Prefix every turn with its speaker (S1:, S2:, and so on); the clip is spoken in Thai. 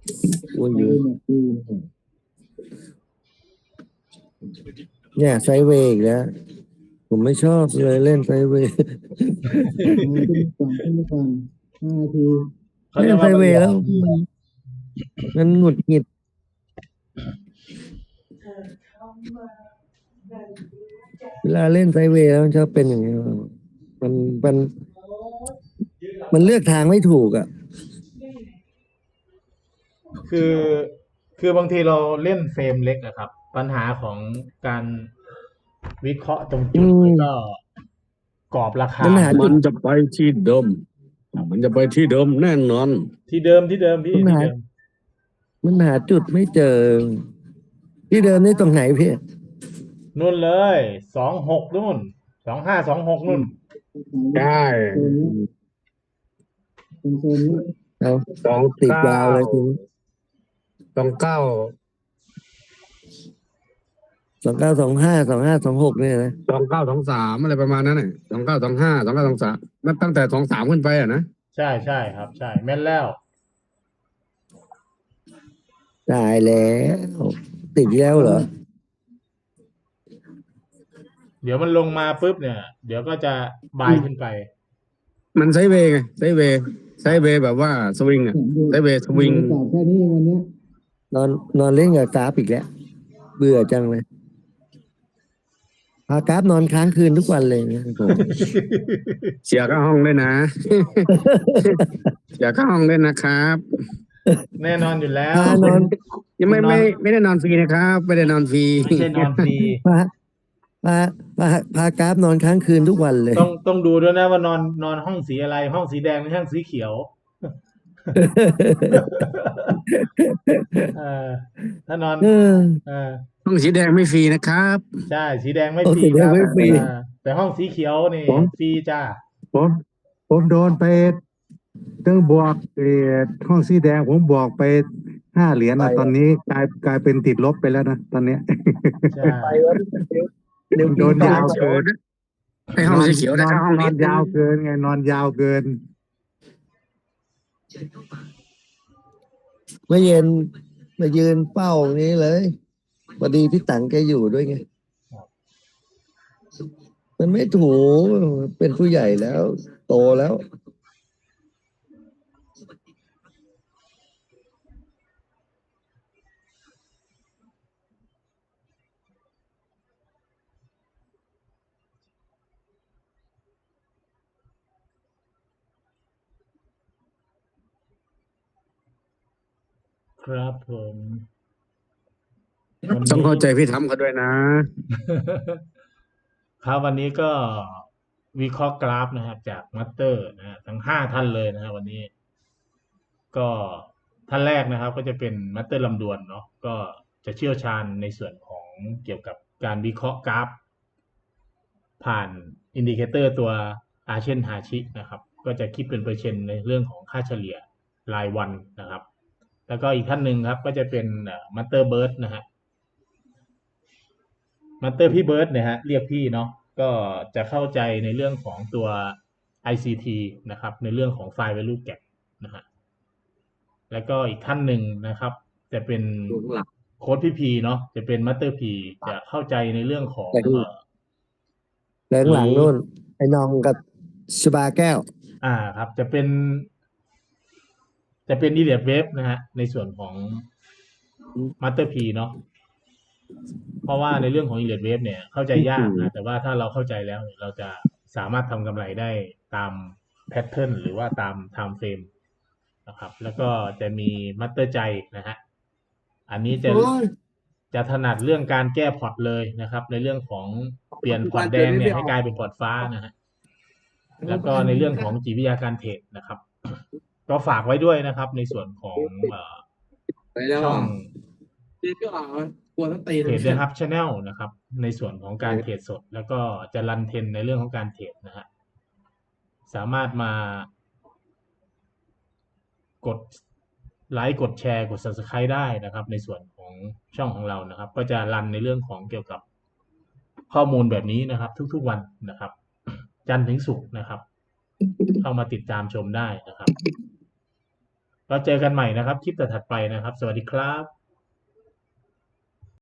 S1: โอ้ย
S2: ไป
S1: เยอะ
S2: เนี่ยปีเนี่ย
S1: เนี่ยไซด์เวย์อีกแล้วผมไม่ชอบเลยเล่นไซด์เวย์
S2: ขึ้นมาก่อน5 นาที
S3: เขาเรี
S1: เล่นไซ
S3: ยกว่ามันหลอ
S1: ด์เวย์แล้ว
S3: ก
S1: มันหงุดหงิดเวลาเล่นไซด์เวย์แล้วมันชอบเป็นอย่างนี้มันมันมันเลือกทางไม่ถูกอ่ะ
S3: คือคือบางทีเราเล่นเฟรมเล็กอะครับ ปัญหาของการวิเคราะห์ตรงจุดแล้วก็กรอบราคา
S1: มันหา
S4: มันจะไปที่เดิม มันจะไปที่เดิมแน่นอน
S3: ที่เดิมพี่
S1: มัน
S3: ที่
S1: หา
S3: เดิม
S1: มันหาจุดไม่เจอ ที่เดิมนี่ตรงไหนพี่
S3: นู่นเลย26นู่น2526นู่น
S4: ใช่
S2: โซนนี้
S1: เอา
S4: สอง
S1: ติด
S4: เก้าย
S1: าวเลยทีนี้
S4: 29
S1: 29252526เนี่ยนะ
S4: 29 23อะไรประมาณนั้นน่ะ29 25 29 23นั่นตั้งแต่23ขึ้นไปอ่ะนะ
S3: ใช่ครับใช่แม่นแล้ว
S1: ตายแล้ว ติดแล้วเหรอ
S3: เดี๋ยวมันลงมาปุ๊บเนี่ย เดี๋ยวก็จะบายขึ้นไป
S4: มันไซด์เวย์ไงไซด์เวย์แบบว่าสวิงอ่ะไซด์เวย์สวิง
S2: ตอบแค่นี้เองวันเนี้ย
S1: นอนเล่นกับกราฟอีกแล้ว เบื่อจังเลยพากราฟนอนค้างคืนทุกวันเลยนะผม
S4: เสียค่าห้องด้วยนะ เสียค่าห้องด้วยนะครับ
S3: แน่นอนอยู่แล้ว
S1: พานอน
S4: ยังไม่ได้นอนฟรีนะครับ ไม่ได้นอนฟรี
S3: ไม่ใช่นอนฟรี
S1: พาพากราฟนอนค้างคืนทุกวันเลย
S3: ต้องดูด้วยนะว่านอนห้องสีอะไร ห้องสีแดงหรือห้องสีเขียว เออถ้านอน
S1: เออ
S4: ห้องสีแดงไม่ฟรีนะครับ
S3: ใช่สีแดงไม่
S1: ห้อง
S3: ฟรี
S1: สีแด
S3: ค
S1: ง
S3: รับ
S1: ไม่ฟรี
S3: แต่ห้องสีเขียวนี่
S2: ผม
S3: ฟรีจ้า
S2: ผมโดนไปตั้งบวกห้องสีแดงผมบวกไป5 เหรียญนะตอนนี้กลายเป็นติดลบไปแล้วนะตอนเนี้ย
S3: ใช่
S2: โดนยาวเกิน
S4: ไอห้องสีเขียวได้ค่าห้อง
S2: น
S4: นิ
S2: อ
S4: ด
S2: นยาวเกินไงนอนยาวเกิน
S1: เมื่อเย็นมายืนเป้านี้เลยพอดีพี่ตังแกอยู่ด้วยไง มันไม่ถูกเป็นผู้ใหญ่แล้ว โตแล้ว
S3: ครับผม
S4: ต้องเข้าใจพี่ทำเขาด้วยนะ
S3: ครับวันนี้ก็วิเคราะห์กราฟนะครับ จากมัตเตอร์นะฮะทั้ง5 ท่านเลยนะฮะวันนี้ ก็ท่านแรกนะครับ ก็จะเป็นมัตเตอร์ลำดวนเนาะก็จะเชี่ยวชาญในส่วนของเกี่ยวกับการวิเคราะห์กราฟ ผ่านอินดิเคเตอร์ตัวอาเชนฮาชินะครับ ก็จะคิดเป็นเปอร์เซ็นต์ในเรื่องของค่าเฉลี่ยรายวันนะครับ แล้วก็อีกท่านหนึ่งครับ ก็จะเป็นมัตเตอร์เบิร์ดนะฮะมัตเตอร์พี่เบิร์ดเนี่ยฮะเรียกพี่เนาะก็จะเข้าใจในเรื่องของตัว ICT นะครับ ในเรื่องของไฟล์ value gap นะฮะแล้วก็อีกท่านหนึ่งนะครับ จะเป็นโค้ดพี่พีเนาะจะเป็นมัตเตอร์พีจะเข้าใจในเรื่องของ
S1: แล้วหลังนู่น ไอ้นองกับชบาแก้ว
S3: ครับจะเป็นอีเดียเวฟนะฮะในส่วนของมัตเตอร์พีเนาะเพราะว่าในเรื่องของอีเดียเวฟเนี่ยเข้าใจยากนะแต่ว่าถ้าเราเข้าใจแล้วเนี่ยเราจะสามารถทำกำไรได้ตามแพทเทิร์นหรือว่าตามไทม์เฟรมนะครับ แล้วก็จะมีมัตเตอร์ใจนะฮะอันนี้จะถนัดเรื่องการแก้พอร์ตเลยนะครับ ในเรื่องของเปลี่ยนพอร์ตแดงเนี่ยให้กลายเป็นพอร์ตฟ้านะฮะแล้วก็ในเรื่องของจิตวิทยาการเทรดนะครับ ก็ฝากไว้ด้วยนะครับ ในส่วนของช่องเทรดนะครับชาแนลนะครับ ในส่วนของการเทรดสด แล้วก็จะรันเทรนในเรื่องของการเทรดนะฮะสามารถมากดไลค์กดแชร์กด Subscribe ได้นะครับ ในส่วนของช่องของเรานะครับ ก็จะรันในเรื่องของเกี่ยวกับข้อมูลแบบนี้นะครับ ทุกๆวันนะครับ จันทร์ถึงศุกร์นะครับ เข้ามาติดตามชมได้นะครับ ก็เราเจอกันใหม่นะครับ คลิปถัดๆไปนะครับ สวัสดีครับ